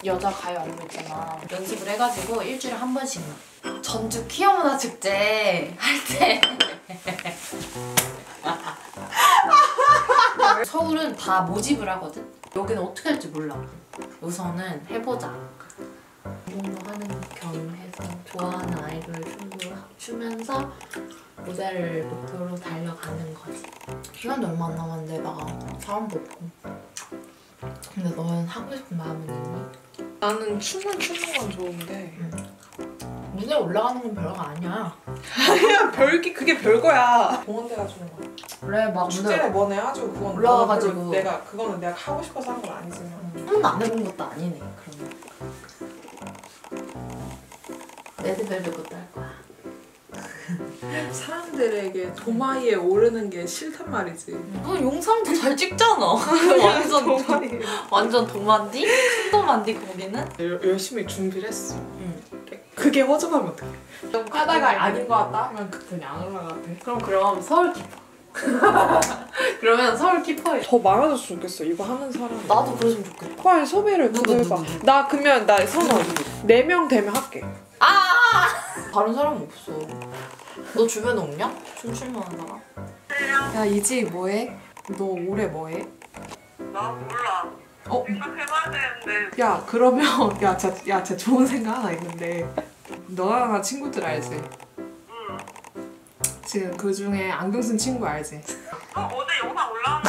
여자 가요 안무 있잖아. 연습을 해가지고 일주일에 한 번씩만. 전주 퀴어문화축제 할 때 서울은 다 모집을 하거든? 여기는 어떻게 할지 몰라. 우선은 해보자. 운동도 하는 겸 해서 좋아하는 아이돌 춤도 추면서 모델을 목표로 달려가는 거지. 시간도 얼마 안 남았는데 나 사람도 없고. 근데 너는 하고 싶은 마음은 있니? 나는 춤은 추는 건 좋은데 무대에 올라가는 건 별거 아니야. 아니야 그게 별거야. 공원대가 주는 거야. 그래 막 축제를 뭐네 아주 그건 올라가가지고 그거는 내가 하고 싶어서 한 건 아니지만 한 번도 안 해본 것도 아니네. 그러면 레드벨벳 것도 할 거야. 사람들에게 도마위에 오르는 게 싫단 말이지. 너 영상도 잘 찍잖아. 완전 도만디? 큰 도만디 거기는? 열심히 준비를 했어. 그게 허전하면 어떡해. 하다가 아닌 것 같다 하면 그냥 안 올라가도 돼. 그럼 서울 키퍼. 그러면 서울 키퍼에 더 많아졌으면 좋겠어 이거 하는 사람. 나도 그랬으면 좋겠다. 빨리 섭외를 누구? 나 그러면 나 선언 4명 되면 할게. 다른 사람 없어. 너 주변에 없냐? 춤출 만한 사람? 야 이지 뭐해? 너 올해 뭐해? 나 몰라. 생각해봐야 되는데. 야 그러면 진짜 좋은 생각 하나 있는데 너랑 나 친구들 알지? 응. 지금 그 중에 안경 쓴 친구 알지? 어제 영상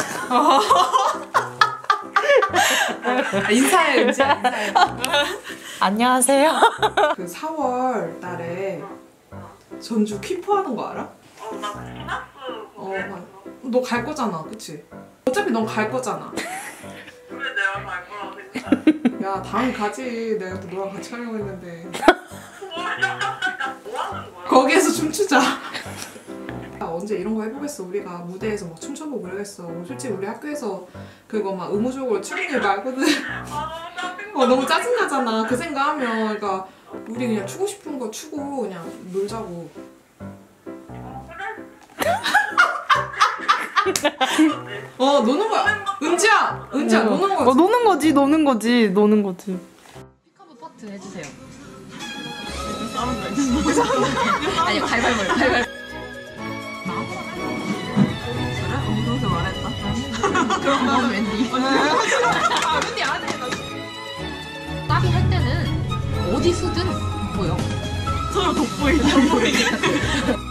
올라왔네. 인사해 은지야 인사해. 안녕하세요. 그 4월 달에 전주 퀴퍼 하는 거 알아? 나 피나스 보냈어. 너 갈 거잖아 그치? 어차피 넌 갈 거잖아. 왜 내가 갈 거라고 생각해? 야 다음 가지. 내가 또 너랑 같이 가려고 했는데. 뭐 하는 거야? 거기에서 춤추자. 언제 이런 거 해보겠어. 우리가 무대에서 막 춤춰보고 그러겠어. 솔직히 우리 학교에서 그거 막 의무적으로 추는 일 말고는 너무 짜증나잖아. 그 생각하면 그러니까 우리 그냥 추고 싶은 거 추고 그냥 놀자고. 노는 거야. 은지야 노는 거지. 노는 거지. 피카브 파트 해주세요. 아니 가위바위보. 그래? 그렇게 말했다. 그럼 나는 웬디. 웬디 안 해. 따비 할 때는 어디 서든 보여. 서로 돋보이게.